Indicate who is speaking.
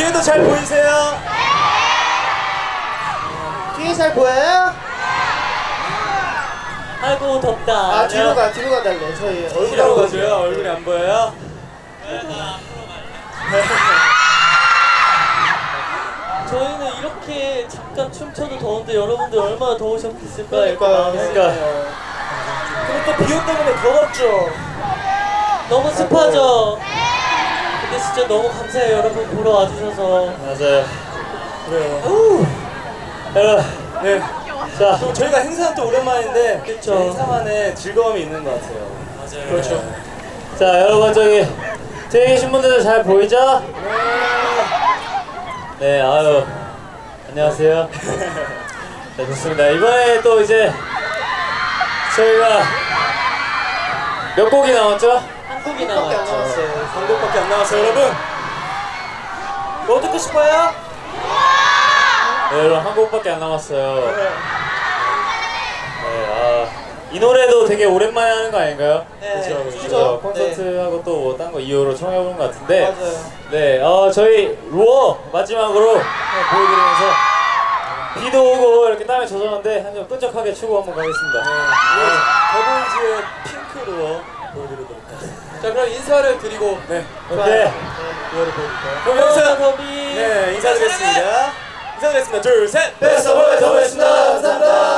Speaker 1: 뒤에도 잘 보이세요?
Speaker 2: 뒤에 잘 보여요?
Speaker 3: 아이고 덥다.
Speaker 2: 아 뒤로 가달래. 저희 얼굴이 안
Speaker 1: 뒤로
Speaker 2: 보여요.
Speaker 1: 가줘요. 얼굴이 안 보여요?
Speaker 3: 저희는 이렇게 잠깐 춤춰도 더운데 여러분들 얼마나 더우셨겠을까 이렇게
Speaker 2: 그러니까요.
Speaker 3: 마음이
Speaker 1: 그리고 또 비옷 때문에 더 덥죠?
Speaker 3: 너무 습하죠? 근데 진짜 너무 감사해요 여러분 보러 와주셔서.
Speaker 1: 맞아요. 그래요. 여러분, 네. 자, 또 저희가 행사는 또 오랜만인데
Speaker 3: 그쵸.
Speaker 1: 행사만의 즐거움이 있는 것 같아요.
Speaker 3: 맞아요.
Speaker 1: 그렇죠.
Speaker 4: 자 여러분 저기 뒤에 계신 분들도 잘 보이죠? 네 아유 안녕하세요. 네 좋습니다. 이번에 또 이제 저희가 몇 곡이 남았죠?
Speaker 3: 한 곡이
Speaker 2: 밖에 안
Speaker 3: 남았죠.
Speaker 2: 남았어요.
Speaker 1: 한 곡밖에 안 남았어요, 여러분. 뭐 듣고 싶어요?
Speaker 4: 네 여러분 한 곡밖에 안 남았어요. 이 노래도 되게 오랜만에 하는 거 아닌가요?
Speaker 3: 네.
Speaker 4: 그죠? 콘서트하고 또 뭐 딴 거 2호로 청해보는 것 같은데
Speaker 2: 맞아요.
Speaker 4: 네 저희 루어 마지막으로 보여드리면서 비도 오고 이렇게 땀에 젖었는데 한 점 끈적하게 추고 한번 가겠습니다.
Speaker 1: 더보이즈의 핑크로 보여드리도록 하겠습니다.
Speaker 2: 자 그럼 인사를 드리고
Speaker 1: 네.
Speaker 4: 오케이.
Speaker 1: 이거를 보여드릴까요?
Speaker 3: 그럼
Speaker 1: 여기서
Speaker 3: 더비.
Speaker 1: 네, 인사드리겠습니다. 인사드리겠습니다. 둘, 셋!
Speaker 4: 베스트 오브 더보이즈였습니다. 감사합니다.